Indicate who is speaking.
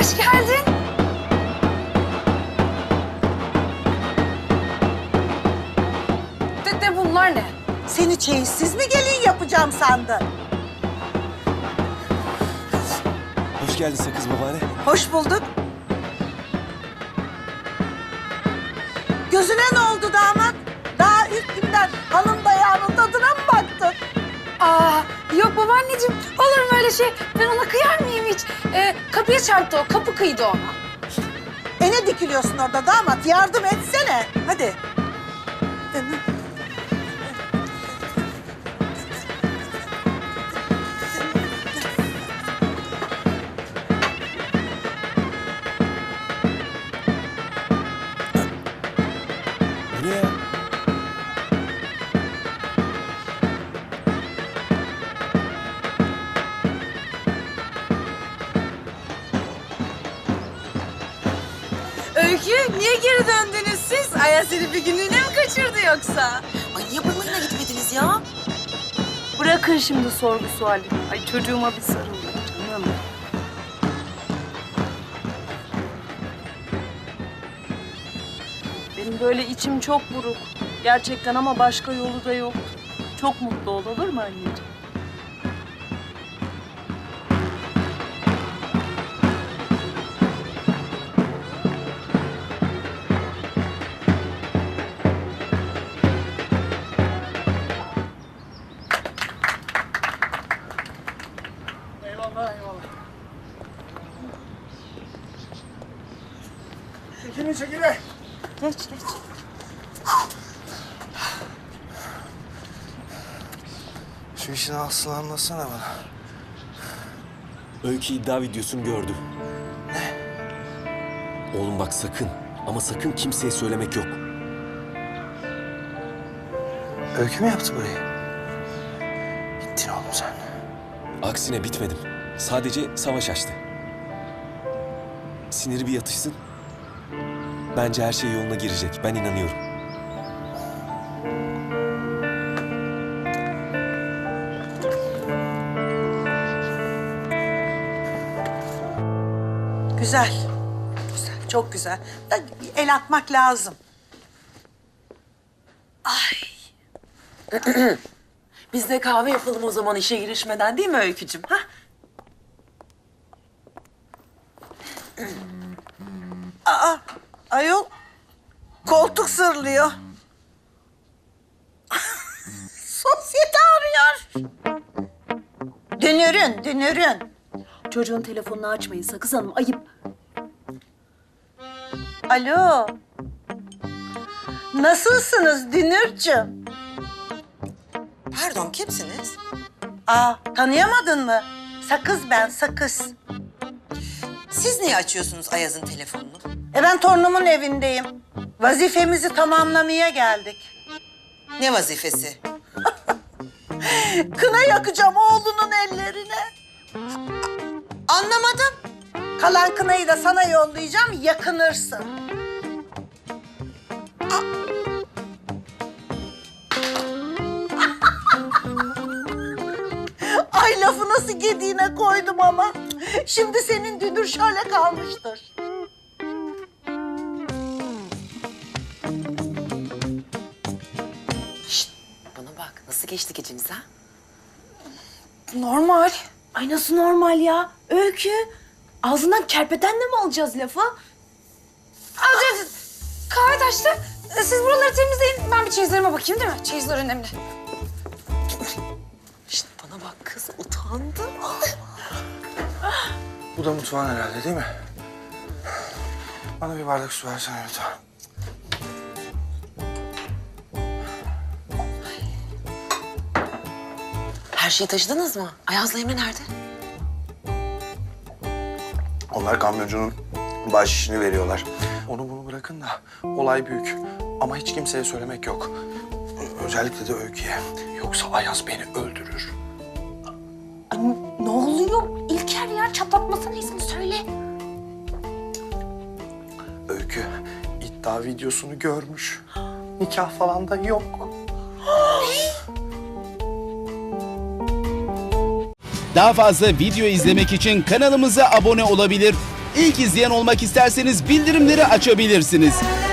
Speaker 1: Hoş geldin. Dede bunlar ne?
Speaker 2: Seni çeyizsiz mi gelin yapacağım sandın?
Speaker 3: Hoş geldin Sakız babaanne.
Speaker 2: Hoş bulduk. Gözüne ne oldu damat? Daha ilk günden hanım dayağının tadına mı baktın?
Speaker 1: Aa, yok babaanneciğim. Olur mu öyle şey? Ben ona kıyar mıyım hiç? Kapıya çarptı o. Kapı kıydı ona.
Speaker 2: Ne dikiliyorsun orada damat? Yardım etsene. Hadi.
Speaker 3: Bu ne ya?
Speaker 4: Öykü, niye geri döndünüz siz? Ayaz seni bir günlüğüne mi kaçırdı yoksa?
Speaker 5: Ay niye balayına gitmediniz ya?
Speaker 6: Bırakın şimdi sorgu suali. Ay çocuğuma bir sarılın canım. Benim böyle içim çok buruk. Gerçekten ama başka yolu da yok. Çok mutlu ol, olur mu anneciğim?
Speaker 7: Eyvallah, eyvallah. Çekilin, çekilin.
Speaker 6: Geç, geç.
Speaker 7: Şu işin aslını anlatsana bana.
Speaker 3: Öykü iddia videosunu gördü. Ne? Oğlum bak sakın ama sakın kimseye söylemek yok.
Speaker 7: Öykü mü yaptı burayı? Bittin oğlum sen.
Speaker 3: Aksine bitmedim. Sadece savaş açtı. Siniri bir yatışsın. Bence her şey yoluna girecek. Ben inanıyorum.
Speaker 2: Güzel. Güzel, çok güzel. Da bir el atmak lazım.
Speaker 5: Biz de kahve yapalım o zaman işe girişmeden değil mi Öykücüm? Ha?
Speaker 2: Ayol, koltuk sırlıyor. Sosyete arıyor. Dünürün, dünürün.
Speaker 6: Çocuğun telefonunu açmayın Sakız Hanım, ayıp.
Speaker 2: Alo. Nasılsınız Dünürcüğüm?
Speaker 5: Pardon kimsiniz?
Speaker 2: Tanıyamadın mı? Sakız ben, Sakız.
Speaker 5: Siz niye açıyorsunuz Ayaz'ın telefonunu?
Speaker 2: Ben torunumun evindeyim. Vazifemizi tamamlamaya geldik.
Speaker 5: Ne vazifesi?
Speaker 2: Kına yakacağım oğlunun ellerine.
Speaker 5: Anlamadım.
Speaker 2: Kalan kınayı da sana yollayacağım, yakınırsın. Ay lafı nasıl gediğine koydum ama. Şimdi senin dünür şöyle kalmıştır.
Speaker 5: Şşt, bana bak nasıl geçti gecemiz ha?
Speaker 1: Normal.
Speaker 6: Ay nasıl normal ya? Öykü. Ağzından kerpetenle mi alacağız lafı?
Speaker 1: Alacağız. Kahve taştı. Siz buraları temizleyin. Ben bir çeyizlerime bakayım değil mi? Çeyizler önemli.
Speaker 5: Şşt, bana bak kız utandı.
Speaker 7: Bu da mutfağın herhalde değil mi? Bana bir bardak su versene lütfen.
Speaker 5: Her şeyi taşıdınız mı? Ayaz'la Emre nerede?
Speaker 7: Onlar kamyoncunun baş işini veriyorlar. Onu bunu bırakın da olay büyük. Ama hiç kimseye söylemek yok. Özellikle de Öykü'ye. Yoksa Ayaz beni öldürür.
Speaker 6: Ay, ne oluyor? İlker ya çatlatmasana ismi söyle.
Speaker 7: Öykü iddia videosunu görmüş. Nikah falan da yok.
Speaker 8: Daha fazla video izlemek için kanalımıza abone olabilir. İlk izleyen olmak isterseniz bildirimleri açabilirsiniz.